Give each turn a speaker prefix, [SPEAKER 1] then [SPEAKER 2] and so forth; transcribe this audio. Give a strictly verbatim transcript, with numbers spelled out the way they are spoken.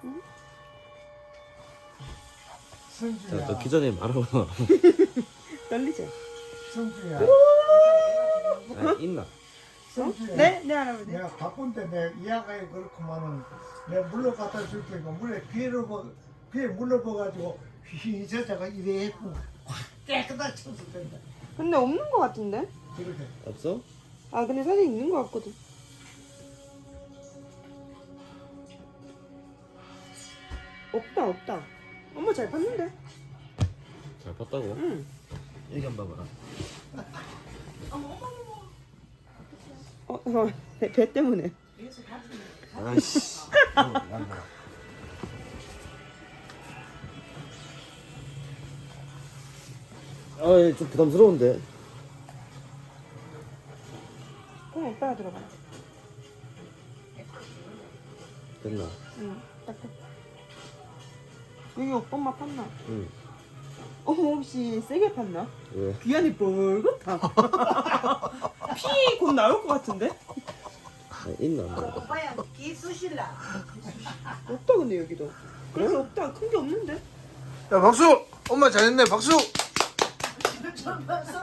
[SPEAKER 1] 성주야.
[SPEAKER 2] 자, 너 기존에 말하고
[SPEAKER 3] 떨리지?
[SPEAKER 1] 성주야.
[SPEAKER 2] 아, 있나?
[SPEAKER 1] 성주야.
[SPEAKER 3] 네? 네 할아버지.
[SPEAKER 1] 내가 바쁜데 내 이야기가 그렇구만은 내가 물러 갖다 줄 테니까 물에 비를 뭐 비에 물러 버가지고 휘저자가 이래 했고 확 깨끗하게 쳐서 된다.
[SPEAKER 3] 근데 없는 거 같은데?
[SPEAKER 1] 그렇게.
[SPEAKER 2] 없어?
[SPEAKER 3] 아 근데 사실 있는 거 같거든. 없다 없다. 엄마 잘 팠는데?
[SPEAKER 2] 잘 봤다고?
[SPEAKER 3] 응.
[SPEAKER 2] 여기 한번 봐봐라.
[SPEAKER 3] 어, 어, 배, 배 때문에.
[SPEAKER 2] 아이씨. 아, 좀 부담스러운데.
[SPEAKER 3] 그럼 오빠가 들어가.
[SPEAKER 2] 됐나?
[SPEAKER 3] 응. 딱 돼. 여기 오빠 엄마 팠나?
[SPEAKER 2] 응.
[SPEAKER 3] 어 혹시 세게 팠나?
[SPEAKER 2] 왜?
[SPEAKER 3] 귀안이 뻘겋다. 피 곧 나올 것 같은데?
[SPEAKER 2] 아, 있나? 뭐.
[SPEAKER 4] 오빠야 기 쑤실라.
[SPEAKER 3] 없다 근데 여기도. 그래서 없다. 큰 게 없는데?
[SPEAKER 5] 야 박수! 엄마 잘했네 박수!